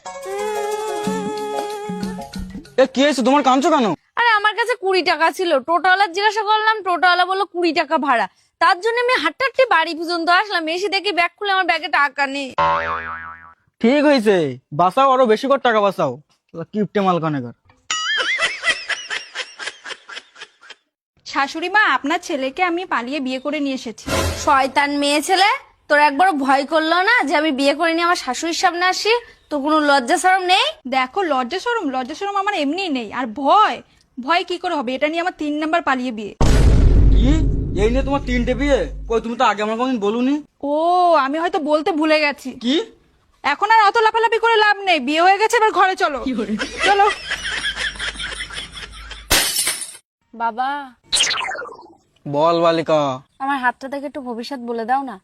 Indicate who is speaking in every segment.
Speaker 1: কি হয়েছে তোমার, কাঁদছো কেন?
Speaker 2: আরে আমার কাছে 20 টাকা ছিল, টোটোওয়ালা জিজ্ঞাসা করলাম, টোটোওয়ালা বললো 20 টাকা ভাড়া। তার জন্য আমি হাঁটতে বাড়ি পর্যন্ত আসলাম, এসে দেখি ব্যাগ খুলে আমার ব্যাগে টাকা নেই।
Speaker 1: ঠিক হয়েছে, বাঁচাও, আরো বেশি করে টাকা বাঁচাও। কিপটে মাল কানেকার।
Speaker 3: শাশুড়ি মা, আপনার ছেলেকে আমি পালিয়ে বিয়ে করে নিয়ে এসেছি।
Speaker 2: শয়তান মেয়ে ছেলে, তোর একবার ভয় করলো না যে আমি বিয়ে করে নিয়ে আমার শাশুড়ির সামনে আসি? তো কোনো লজ্জা শরম নেই?
Speaker 3: দেখো, লজ্জা শরম আমার এমনিই নেই। আর ভয় ভয় কি করে হবে? এটা নিয়ে আমার 3 নাম্বার পালিয়ে বিয়ে।
Speaker 1: কি, এই নিয়ে তোমার 3টে বিয়ে? কই, তুমি তো আগে আমার কোনদিন বলুনি।
Speaker 3: ও, আমি হয়তো বলতে ভুলে গেছি।
Speaker 1: কি?
Speaker 3: এখন আর অত লাফালাফি করে লাভ নেই, বিয়ে হয়ে গেছে, এবার ঘরে চলো। চলো।
Speaker 2: বাবা,
Speaker 1: বল বালিকা।
Speaker 2: আমার হাতটা থেকে একটু ভবিষ্যৎ বলে দাও না।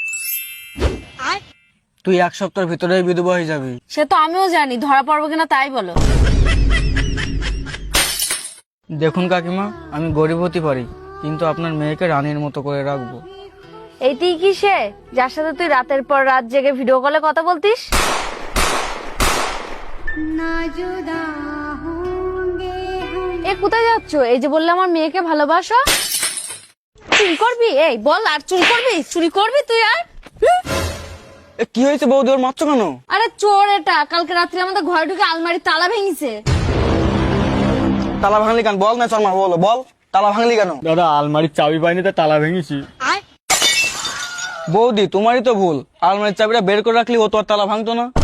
Speaker 1: তুই 1 সপ্তাহের ভিতরেই বিধবা হয়ে যাবি।
Speaker 2: সে তো আমিও জানি, ধরা পড়বো কিনা তাই বলো।
Speaker 1: দেখুন কাকিমা, আমি গরিব হতে পারি, কিন্তু আপনার মেয়েকে রানীর মতো করে রাখবো।
Speaker 2: এইটাই কি সে যার সাথে তুই রাতের পর রাত জেগে ভিডিও কলে কথা বলতিস? এ কোথায় যাচ্ছ? এই যে বললে আমার মেয়েকে ভালোবাসো। চুরি করবি? এই বল, আর চুরি করবি? চুরি করবি তুই? আর
Speaker 1: কি হয়েছে বৌদি, ওর মারছো কেন?
Speaker 2: আরে চোর এটা, কালকে রাত্রে আমাদের ঘরে ঢুকে আলমারির তালা ভেঙেছে।
Speaker 1: তালা ভাঙলি কেন? বল না শর্মা, বলো, বল তালা ভাঙলি কেন?
Speaker 4: দাদা, আলমারির চাবি পাইনি, তাই তালা ভেঙেছি।
Speaker 1: বৌদি তোমারই তো ভুল, আলমারির চাবিটা বের করে রাখলি ও তো আর তালা ভাঙতো না।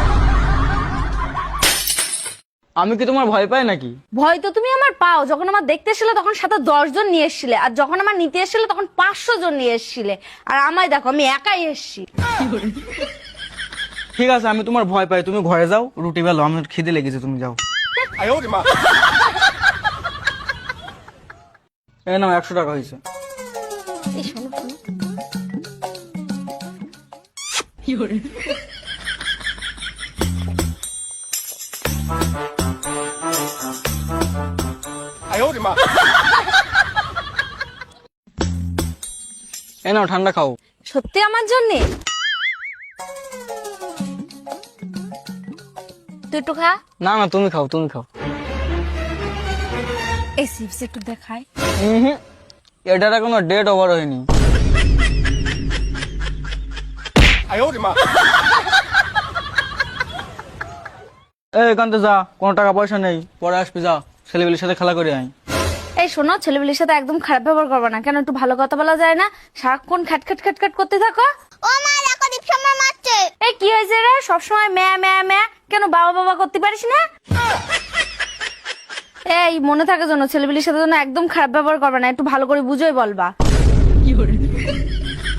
Speaker 1: আমি কি তোমার ভয় পাই নাকি?
Speaker 2: ভয় তো তুমি আমার পাও, যখন আমার দেখতে এসেছিলে তখন সাথে 10 জন নিয়ে এসেছিলে, আর যখন আমার নিতে এসেছিলে তখন 500 জন নিয়ে এসেছিলে। আর আমায় দেখো, আমি একাই এসেছি।
Speaker 1: ঠিক আছে, আমি তোমার ভয় পাই, তুমি ঘরে যাও, রুটি বেলো, আমার খিদে লেগেছে, তুমি যাও। এই নাও 100 টাকা হয়েছে।
Speaker 2: এই শোনো শোনো,
Speaker 1: এই নাও ঠান্ডা খাও।
Speaker 2: সত্যি আমার জন্য? তুই একটু খা।
Speaker 1: না না, তুমি খাও, তুমি খাও।
Speaker 2: এই চিপস একটু দেখায়।
Speaker 1: এটার কোনো ডেট ওভার হয়নি। এই এখানতে যা, কোনো টাকা পয়সা নেই, পরে আসবি, যা ছেলেবেলির সাথে খেলা করে আয়।
Speaker 2: এই শোনো, ছেলেবেলির সাথে একদম খারাপ ব্যবহার করবে না, কেন একটু ভালো কথা বলা যায় না? সারাক্ষণ খ্যাটখ্যাট খ্যাটখ্যাট করতে থাকো।
Speaker 5: ও মা, দেখো দীপশর্মা মারছে।
Speaker 2: এই কি হয়েছে রে? সবসময় ম্যা ম্যা ম্যা, কেন বাবা বাবা করতে পারিস না? এই মনে থাকে যেন, ছেলেবেলির সাথে যেন একদম খারাপ ব্যবহার করবে না, একটু ভালো করে বুঝোই বলবা।